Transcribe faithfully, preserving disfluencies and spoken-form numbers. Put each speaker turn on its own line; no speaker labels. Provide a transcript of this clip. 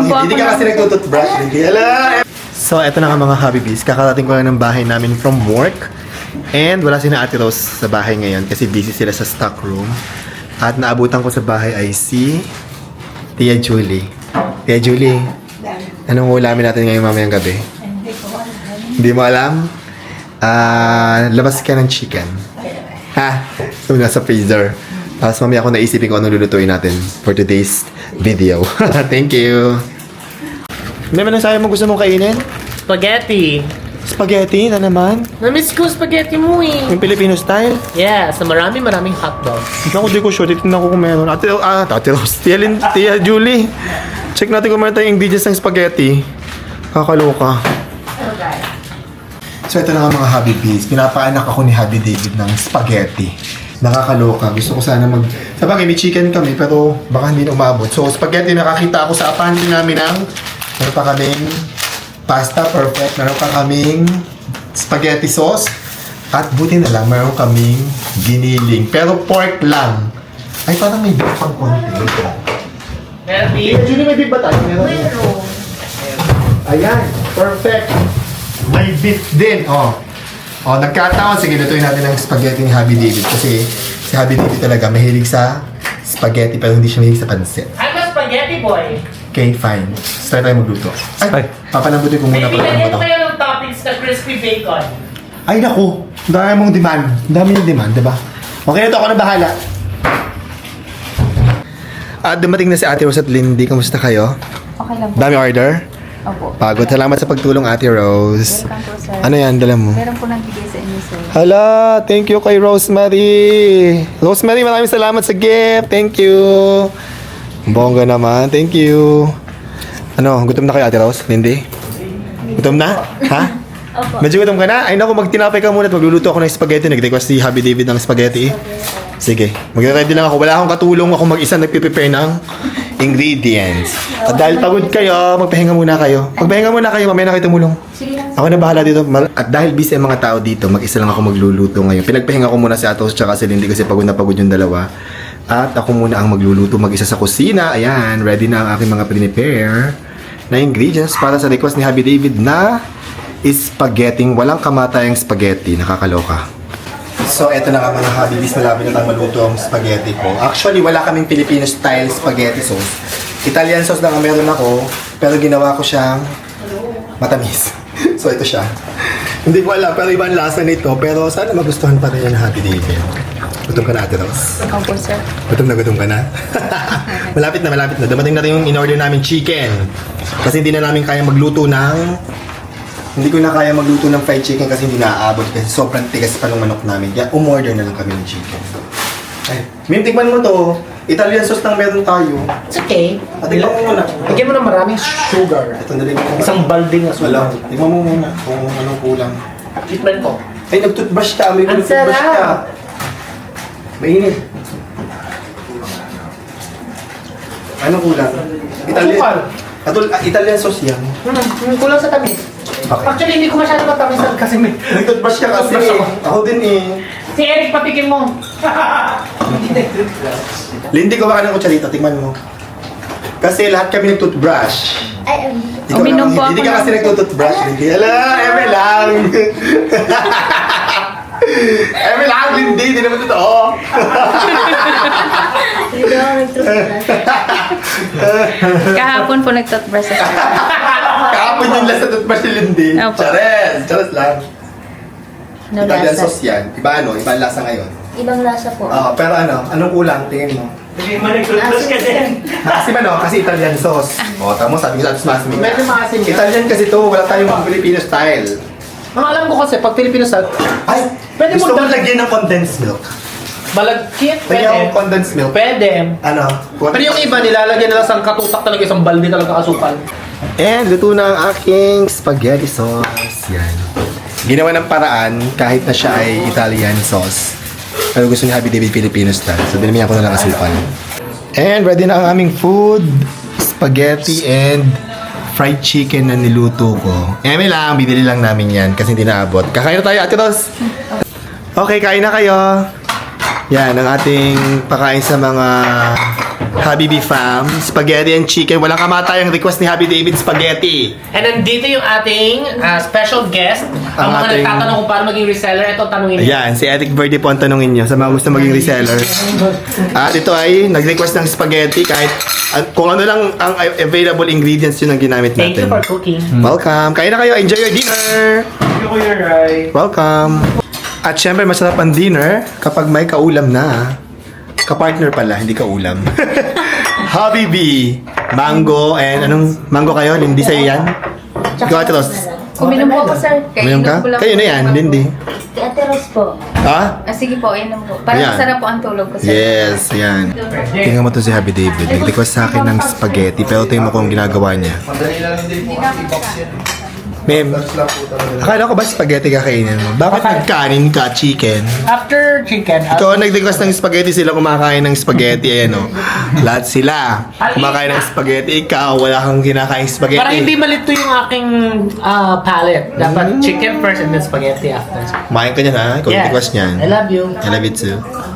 po ako.
Hindi ka kasi nagtututbrush. Hindi. Ala! So, eto na nga mga Habibis. Kakarating ko lang ng bahay namin from work. And wala si na Ate Rose sa bahay ngayon kasi busy sila sa stock room. At naabutan ko sa bahay ay si Tia Julie. Tia Julie, anong ulamin natin ngayon mamayang gabi? Hindi mo alam? Ah, labas ka ng chicken. Ha? So, nasa freezer. Tapos mamaya ako naisipin ko anong lulutuin natin for today's video. Thank you. May manasaya mo gusto mong kainin?
Spaghetti.
Spaghetti na naman?
Namiss ko spaghetti mo eh.
Yung Filipino style?
Yeah, sa marami maraming hotdog.
Naku, di ko sure. Titignan ko kung meron. Ate, ah, Ate Rose. Tia, Lin, Tia Julie. Check natin kung meron tayong ingredients ng spaghetti. Kakaloka. So, ito na nga mga Happy Bees. Pinapaanak ako ni Happy David ng spaghetti. Nakakaloka. Gusto ko sana mag... Sabagay, may chicken kami, pero baka hindi na umabot. So, spaghetti nakakita ako sa pantry namin ng... Meron pa kaming pasta, perfect. Meron pa kaming spaghetti sauce. At buti na lang, meron kaming giniling. Pero pork lang. Ay, parang may beef pang konti.
Meron
Eh, Julie, may beef ba tayo? Meron. Ayan, perfect. May beef din, oh. Oh, nagkataon. Sige, lutuin natin ang spaghetti ni Happy David. Kasi si Happy David talaga mahilig sa spaghetti pero hindi siya mahilig sa pansit.
I'm a spaghetti boy.
Okay, fine. Start tayo magluto. Ay, papalambutin ko muna
May
pala
binigyan
ito.
ko kayo ng toppings na crispy bacon.
Ay, naku. Dami mong demand. Dami yung demand, di ba? Okay na to, ako na bahala. At dumating na si Ate Rose at Lindy. Kamusta kayo?
Okay lang po.
Dami order?
Opo.
Pagod. Salamat sa pagtulong, Ate Rose.
Welcome po, sir.
Ano yan, dala mo?
Meron po nagbigay sa inyo, sir.
Hala, thank you kay Rosemary. Rosemary, maraming salamat sa gift. Thank you. Bongga naman. Thank you. Ano, gutom na kayo, Ate Rose? Lindy? Gutom na? Ha?
Opo.
Medyo gutom ka na? Ay naku, magtinapay ka muna at magluluto ako ng spaghetti. Nag-request si Happy David ng spaghetti. Sige, mag-ready lang ako. Wala akong katulong. Ako mag-isa nagpiprepare ng ingredients. At dahil pagod kayo, magpahinga muna kayo. Magpahinga muna kayo, mamaya na kayo tumulong.
Sige lang.
Ako na bahala dito. Mal- At dahil busy ang mga tao dito, mag-isa lang ako magluluto ngayon. Pinagpahinga ko muna si Atos tsaka si Lindy kasi pagod na pagod yung dalawa. At ako muna ang magluluto mag-isa sa kusina. Ayan, ready na ang aking mga prepare na ingredients para sa request ni Happy David na spaghetti. Walang kamatayang spaghetti. Nakakaloka. So, eto na nga mga Habibis. Malapit na tayo maluto ang spaghetti ko. Actually, wala kaming Filipino-style spaghetti sauce. Italian sauce lang ang meron ako. Pero ginawa ko siyang matamis. So, ito siya. Hindi ko alam, pero iba ang lasa nito. Pero sana magustuhan pa rin yan, Happy David. Gutom ka na, Ate Rose?
Opo, sir.
Gutom na gutom ka na? Malapit na, malapit na. Dumating na rin yung in-order namin chicken. Kasi hindi na namin kaya magluto ng... Hindi ko na kaya magluto ng fried chicken kasi hindi naaabot kasi sobrang tigas pa ng manok namin. Kaya umorder na lang kami ng chicken. Ay, Mim, tikman mo to. Italian sauce lang meron tayo.
It's okay.
At tikman mo muna.
Lagyan mo ng maraming sugar.
Ito na rin.
Isang balding na
Wala.
sugar.
Tikman mo muna kung anong kulang.
Treatment ko.
Ay, nag-toothbrush ka. May
Ang
nag-toothbrush ka.
sarap.
Mainit. Anong kulang? Italian.
Asukal.
Atul, ah, Italian sauce yan.
Hmm, hmm, kulang sa tamis.
Okay.
Actually, hindi ko masyado matamis kasi may...
Nag-toothbrush ka kasi.
Nag-toothbrush ako.
Ako din eh.
Si Eric, patikin mo.
Lindy, gawa ka ng kutsarita. Tingnan mo. Kasi lahat kami nag-toothbrush.
Ay, um,
Ikaw
uminom
lang,
po
hindi
ako
ka kasi
ng-
nagtutoothbrush. Lindy. Ala, eme lang. Eme lang, Lindy. Hindi naman totoo.
Hindi ako nag-toothbrush. Kahapon po nag-toothbrush ako.
Kahapon yung lasa toothbrush ni Lindy.
Opo.
Chares. Chares lang.
No
Italian
lasa.
sauce yan. Iba ano? Iba ang lasa ngayon.
Ibang lasa po.
Oo, pero ano? Anong kulang? Tingin mo.
Hindi mo nag-toothbrush ka din.
Kasi ano? Kasi Italian sauce. O, tamo sabi ko sa atos masimig.
Medyo maasim yan.
Italian kasi to. Wala tayong mga Filipino style.
Ang alam ko kasi, pag Filipino style,
Ay,
Pwede
gusto
mo
mo
dag-
lagyan ng condensed milk.
malagkit,
Lagyan
pwede.
ng condensed milk.
Pwede.
Ano?
Pero yung iba, nilalagyan nila sa katutak talaga, isang balde talaga asukal.
And luto na ang aking spaghetti sauce. Yan. Ginawa ng paraan kahit na siya ay Italian sauce. Pero gusto ni Happy David Filipino style. So dinamihan ko na lang asukal. And ready na ang aming food. Spaghetti and fried chicken na niluto ko. Eme lang, bibili lang namin yan kasi hindi naabot. Kakain na tayo, Ate Ros. Okay, kain na kayo. Yan, ang ating pakain sa mga Habibi fam, spaghetti and chicken. Walang kamatayang request ni Happy David, spaghetti.
And nandito yung ating ah, special guest. Ang,
Ang
mga
ating-
nagtatanong kung paano maging reseller, ito ang tanongin niyo.
Ayan, si Ethic Verde po ang tanongin nyo sa mga gusto maging reseller. At ito ay nag-request ng spaghetti kahit ah, kung ano lang ang available ingredients yun ang ginamit
Thank you
natin.
for cooking.
Welcome. Kain na kayo. Enjoy your dinner.
Thank you, Kuya Rai.
Welcome. At syempre, masarap ang dinner kapag may kaulam na. Kapartner pala, hindi kaulam. Habibi, mango, and anong mango kayo? Lindy sa'yo yan? Ikaw, Ate Ros.
Uminom po ako, sir.
Uminom ka?
ko lang
Kayo
po
na yan,
yung
Lindy.
Si Ate Rose po.
Ha?
Ah, sige po, inom po. Para
Ayan.
masarap po ang tulog ko, sir.
Yes, yan. Tingnan mo to si Happy David. Nag-request sa akin ng spaghetti, pero tingnan mo kung ginagawa niya. Ma'am, akala ko ba spaghetti kakainin mo? Bakit nagkanin ka, chicken?
After chicken, ah,
Ikaw ang nag-request ng spaghetti, sila kumakain ng spaghetti, ayan o. Lahat sila kumakain ng spaghetti, ikaw wala kang kinakain spaghetti.
para hindi malito yung aking ah, palate. Dapat chicken first and then spaghetti after.
Kumain ka niyan ha, ikaw yung
Yes.
request niyan.
I love you.
I love it too.